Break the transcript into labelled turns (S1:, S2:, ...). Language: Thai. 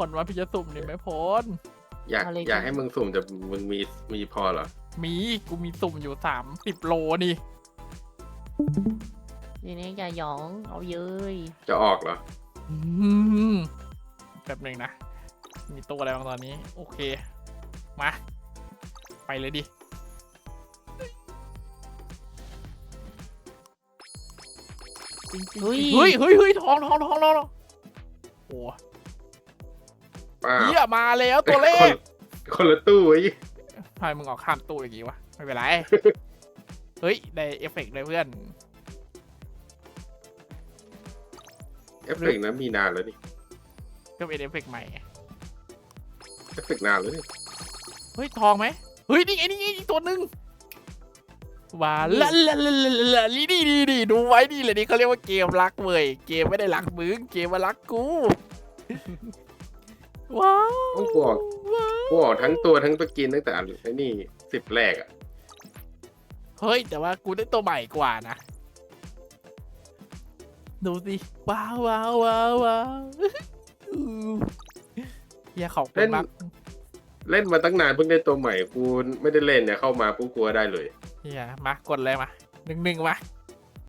S1: ลว่าพี่จะสุ่มนี่ไม่พ้น
S2: อยากให้มึงสุ่มแต่มึงมีพอเหรอ
S1: กูมีสุ่มอยู่30 โลนี่
S3: ทีนี้อย่าหยองเอาเย้ย
S2: จะออกเหรอ
S1: อืมแบบหนึ่งนะ มีตัวอะไรบ้างตอนนี้ โอเค มา ไปเลยดิเฮ้ยทองโอ้
S2: ป้า
S1: เหี้ยมาแล้วตัวเลข
S2: คนละตู้ไอ้
S1: ทำไมมึงออกข้ามตู้อย่างงี้วะ ไม่เป็นไร เฮ้ย ได้เอฟเฟกต์เลยเพื่อน
S2: เอฟเฟกต์นั้นมีนานแล้วนี่
S1: ก็เป็นเอฟเฟกต์ใหม่ไง
S2: เอฟเฟกต์นานแล้วนี่
S1: เฮ้ย ทองไหมเฮ้ย นี่ไงอีกตัวหนึ่งว่าละนี่ดูไว้นี่เลยนี่เขาเรียกว่าเกมรักเว้ย เกมไม่ได้รักมึง เกมมารักกู ว้าว
S2: ต้องกูออกทั้งตัวทั้งตัวกินตั้งแต่อันไอ้นี่10 แรกอ่ะ
S1: เฮ้ย แต่ว่ากูได้ตัวใหม่กว่านะ ดูสิว้าวเฮียขอบคุณมาก
S2: เล่นมาตั้งนานเพิ่งได้ตัวใหม่กูไม่ได้เล่นเนี่ยเข้ามาปุ๊บกลัวได้เลย
S1: เฮียมากดเลยมา1-1มา